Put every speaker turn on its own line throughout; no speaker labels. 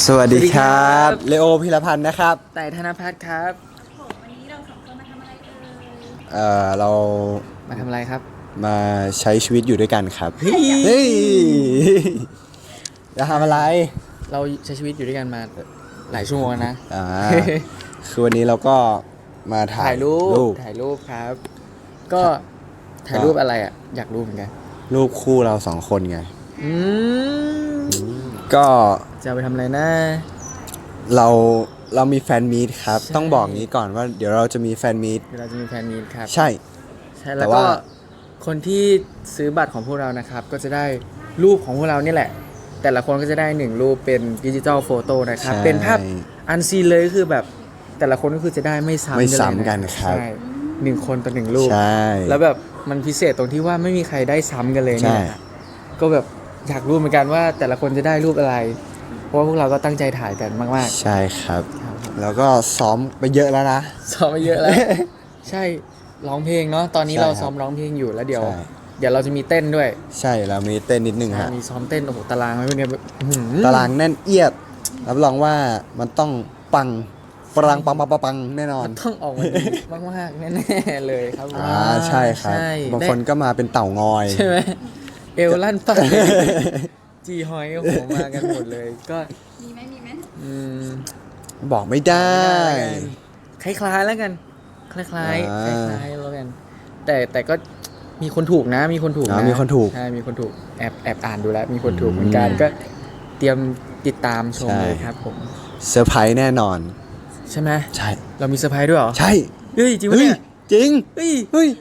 สวัสดีครับเลโอพิรพันธ์นะครับ
ไต่ธนภัทรครับ
วันนี้เราสองคนมาทำอะไร
เรา
มาทำอะไรครับ
มาใช้ชีวิตอยู่ด้วยกันครับ
เฮ้
ยจะทำอะไร
เราใช้ชีวิตอยู่ด้วยกันมาหลายชั่วโมงนะ
คือวันนี้เราก็มาถ่ายรูป
ครับ ก็ถ่ายรูปอะไรอ่ะอยากรู้เหมือนกัน
รูปคู่เราสองคนไงก็
จะไปทำอะไรนะ
เรามีแฟนมีตครับต้องบอกงี้ก่อนว่าเดี๋ยวเราจะมีแฟนมีต
ครับ
ใช่
แล้วก็คนที่ซื้อบัตรของพวกเรานะครับก็จะได้รูปของพวกเรานี่แหละแต่ละคนก็จะได้1รูปเป็นดิจิทัลโฟโต้นะครับเป็นภาพอันซีนเลยคือแบบแต่ละคนก็คือจะได้ไม่ซ้
ำกันครับ
ใช่1คนต่อ1รูป
ใช่
แล้วแบบมันพิเศษตรงที่ว่าไม่มีใครได้ซ้ำกันเลยเนี่ยก็แบบอยากรู้เหมือนกันว่าแต่ละคนจะได้รูปอะไรเพราะว่าพวกเราก็ตั้งใจถ่ายกันมาก
ๆใช่ครับแล้วก็ซ้อมไปเยอะแล้วนะ
ซ้อมไปเยอะแล้วใช่ร้องเพลงเนาะตอนนี้เราซ้อมร้องเพลงอยู่แล้วเดี๋ยวเราจะมีเต้นด้วย
ใช่เรามีเต้นนิดนึงฮะ
มีซ้อมเต้นโอ้โหตารางไม่เป็นไง
ตารางแน่นเอียดรับรองว่ามันต้องปังแน่นอน
ต้องออกมาดีมากๆแน่ๆเลยครับ
ใช่ครับบางคนก็มาเป็นเต่างอย
ใช่ไหมเอวลั่นปังจีฮอยโอ้โหมากันหมดเลยก็
มีไหม
บอกไม่ได้
คล้ายๆแล้วกันคล้ายแล้วกันแต่ก็มีคนถูกนะมีคนถูกใช่มีคนถูกแอบอ่านดูแล้วมีคนถูกเหมือนกันก็เตรียมติดตามชมเลยครับผม
เซอร์ไพรส์แน่นอน
ใช่ไหม
ใช่
เรามีเซอร์ไพรส์ด้วยเหรอ
ใช่
เฮ้ยจริงไหมเนี่ย
จริงเฮ้ย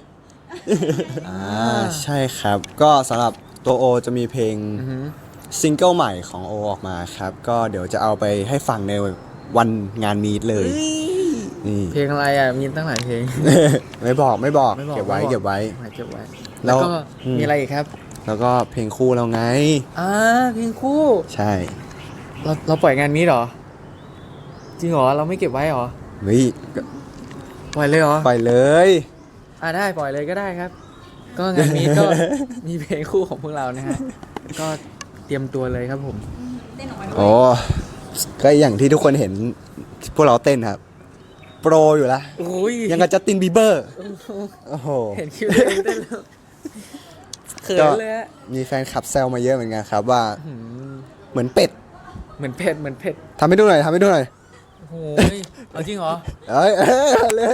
ใช่ครับก็สำหรับตัวโอจะมีเพลงซิงเกิลใหม่ของโอออกมาครับก็เดี๋ยวจะเอาไปให้ฟังในวันงานมีตเลย
นี่เพลงอะไรอ่ะมีตั้งหลายเพลง
ไม่บอกเก็บไว้
แล้วก็มีอะไรอีกครับ
แล้วก็เพลงคู่เราไง
เพลงคู่
ใช่
เราปล่อยงานนี้เหรอจริงเหรอเราไม่เก็บไว้เหรอปล่อยเลยเหรอ
ปล่อยเลย
ได้ปล่อยเลยก็ได้ครับก็งานนี้ก็มีเพลงคู่ของพวกเรานะฮะก็เตรียมตัวเลยครับผม
เต้นออกมาด้วย
ก็อย่างที่ทุกคนเห็นพวกเราเต้นครับโปรอยู่ละยังกับจัสตินบีเบอร์โอ้โห
เห็นคิวเต้นแล้วเขินเลย
มีแฟนคลับแซวมาเยอะเหมือนกันครับว่าเหมือนเป็ดทำให้ดูหน่อย
โอ้ยเอาจริงเหรอ
เลย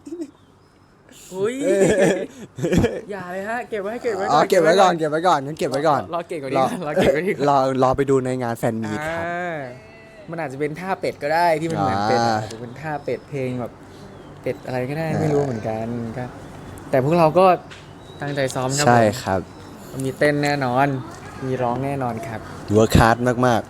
อย่าเลยฮะเก็บไว้ก่อน
เก็บไว้ก่อนงั้นเก็บไว้ก่อน
รอเก็บก่อนดี
รอไปดูในงานแฟนมีตครับ
มันอาจจะเป็นท่าเป็ดก็ได้ที่มันเหมือนเป็ดอาจจะเป็นท่าเป็ดเพลงแบบเป็ดอะไรก็ได้ไม่รู้เหมือนกันก็แต่พวกเราก็ตั้งใจซ้อมครับ
ใช่ครับ
มีเต้นแน่นอนมีร้องแน่นอนครับ
เวิร์คฮาร์ดมาก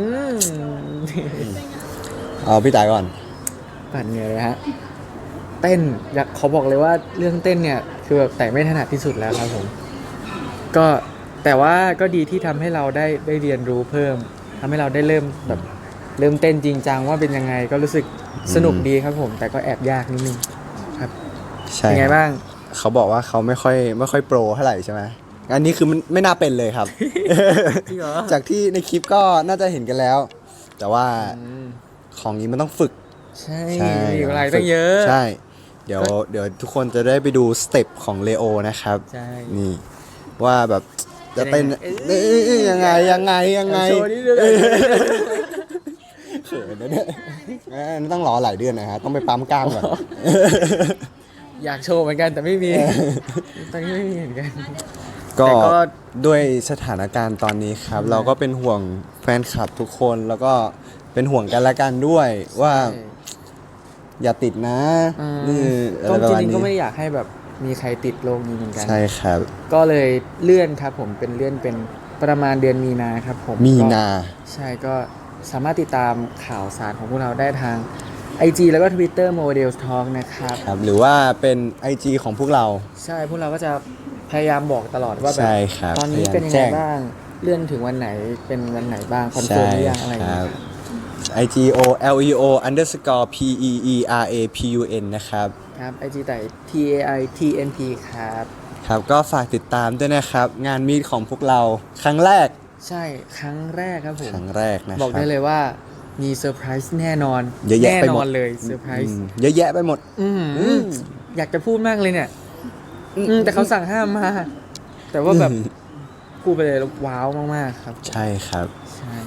เอาพี่ตายก่อน
ปั่นเหนื่อยเลยฮะเต้นอยากขอบอกเลยว่าเรื่องเต้นเนี่ยคือแบบแต่ไม่ถนัดที่สุดแล้วครับผมก็แต่ว่าก็ดีที่ทำให้เราได้เรียนรู้เพิ่มทำให้เราได้เริ่มเต้นจริงจังว่าเป็นยังไงก็รู้สึกสนุกดีครับผมแต่ก็แอบยากนิดนึงครับ
ใช่
เป็นไงบ้าง
เขาบอกว่าเขาไม่ค่อยโปรเท่าไหร่ใช่ไหมอันนี้คือมันไม่น่าเป็นเลยครับ
จริงเหรอ
จากที่ในคลิปก็น่าจะเห็นกันแล้วแต่ว่าของนี้มันต้องฝึก
ใช่มีอะไรตั้งเยอะ
ใช่เดี๋ยวทุกคนจะได้ไปดูสเต็ปของเลโอนะครับนี่ว่าแบบจะเต้นยังไง
โชว์นิดนึง
เขินนะเนี่ยต้องรอหลายเดือนนะฮะต้องไปปั๊มกล้ามก่อน
อยากโชว์เหมือนกันแต่ไม่มีตอนนี้ไม่มีเหมือนกัน
ก็ด้วยสถานการณ์ตอนนี้ครับเราก็เป็นห่วงแฟนคลับทุกคนแล้วก็เป็นห่วงกันและกันด้วยว่าอย่าติดนะ
ก็จริงๆก็ไม่อยากให้แบบมีใครติดโรคนี้เหมือนกัน
ใช่ครับ
ก็เลยเลื่อนครับผมเป็นเลื่อนเป็นประมาณเดือนมีนาครับผม
มีนา
ใช่ก็สามารถติดตามข่าวสารของพวกเราได้ทาง IG แล้วก็ Twitter Models Talk นะครับ
หรือว่าเป็น IG ของพวกเรา
ใช่พวกเราก็จะพยายามบอกตลอดว่าแบบตอนนี้เป็นยังไงบ้างเลื่อนถึงวันไหนเป็นวันไหนบ้างคอนเฟิร์มหรือยังอะไรอย่างเงี้ย
IGOLEO_PEERAPUN นะครับ
IG แต่ TAITNP
ครับก็ฝากติดตามด้วยนะครับงานมีตของพวกเราครั้งแรก
ใช่ครั้งแรกครับผม
ครั้งแรกนะ
บอกได้เลยว่ามีเซอร์ไพรส์แน่นอน
เยอะแยะ
แน่
ไป
น
หม
อ
ด
นเลยเซอร์ไพรส์
เยอะแยะไปหมด
อยากจะพูดมากเลยเนี่ยแต่เขาสั่งห้ามมา แต่ว่าแบบพูดไปเลยแล้วว้าวมากๆครับ
ใช่ครับ
ใช่